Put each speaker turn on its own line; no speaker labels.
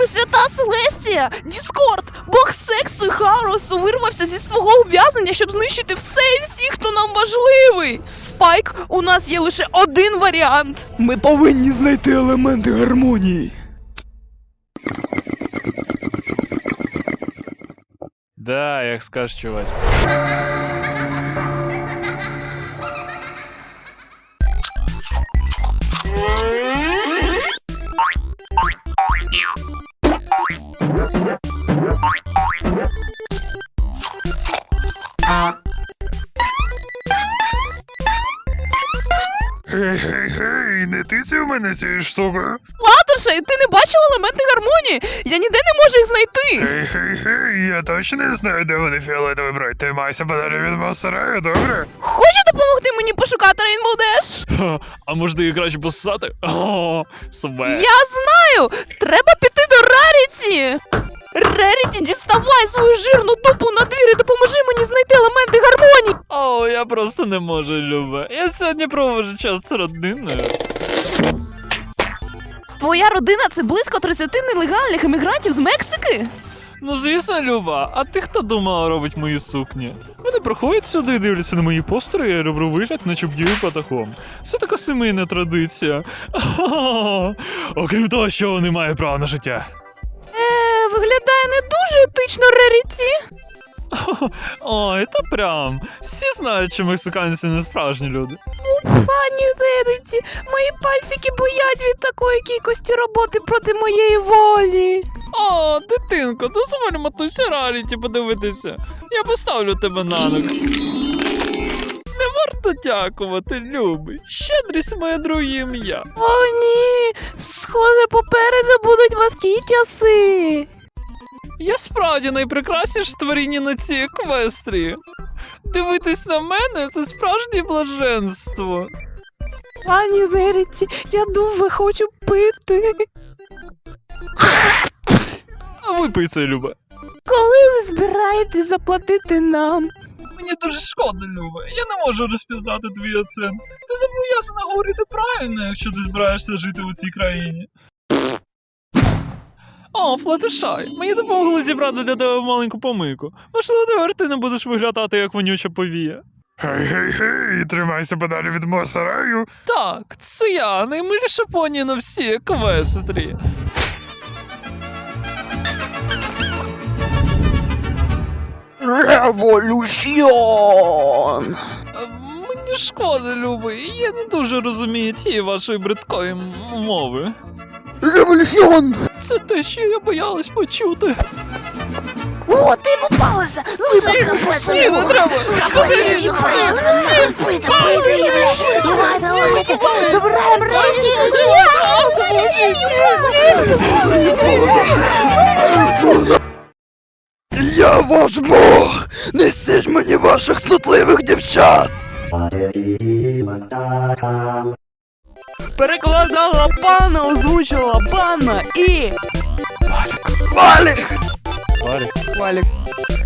Пресвята Селестія! Діскорд! Бог сексу і хаосу вирвався зі свого ув'язнення, щоб знищити все і всіх, хто нам важливий! Спайк, у нас є лише один варіант!
Ми повинні знайти елементи гармонії.
Да, як скажеш, чувак.
Гей, не ти це в мене цією штукою?
Латтершей, ти не бачила елементи гармонії? Я ніде не можу їх знайти!
Гей, я точно не знаю, де вони фіолетові брать. Ти майся подалі від Монсераю, добре?
Хочеш допомогти мені пошукати Rainbow Dash?
Ха, а може її краще пососати? О, себе.
Я знаю! Треба піти до Раріті! Раріті, діставай свою жирну дупу на двір і допоможи мені знайти елементи гармонії!
О, я просто не можу, Люба. Я сьогодні проводжу час з родиною.
Твоя родина – це близько 30 нелегальних емігрантів з Мексики?
Ну звісно, Люба, а ти хто думала робить мої сукні? Вони приходять сюди і дивляться на мої постери, я роблю вигляд, наче б'ю патахом. Це така сімейна традиція. Окрім того, що вони мають право на життя.
Виглядає не дуже етично, Раріті.
Ой, та прям. Всі знають, що мексиканці не справжні люди.
Пані Раріті, мої пальчики боять від такої кількості роботи проти моєї волі.
О, дитинко, дозволь матусі Раріті подивитися. Я поставлю тебе на ноги. Не варто дякувати, любий. Щедрість моє друге ім'я.
О, ні, схоже, попереду будуть важкі часи.
Я справді найпрекрасніше творіння на цій еквестрії. Дивитись на мене – це справжнє блаженство.
Пані Раріті, я дуже хочу пити.
А випий це, Люба.
Коли ви збираєтесь заплатити нам?
Мені дуже шкода, Люба. Я не можу розпізнати твій оцінк. Ти зобов'язана говорити правильно, якщо ти збираєшся жити у цій країні. О, Флаттершай, мені допомогли зібрати для тебе маленьку помийку. Можливо, тепер ти не будеш виглядати як вонюча повія.
Гей, тримайся подалі від Монсераю.
Так, це я, наймиліша поні на всій еквестрі.
Революціон!
Мені шкода, любий, я не дуже розумію тієї вашої бридкої мови.
Революціон!
Це те, що я боялась почути.
О, ти попалася! Ми
Ні, не треба!
Забираємо речі! Я ваш Бог! Несіть мені ваших снутливих дівчат!
Перекладала пана, озвучила пана і...
Валік!
Валік.
Валік.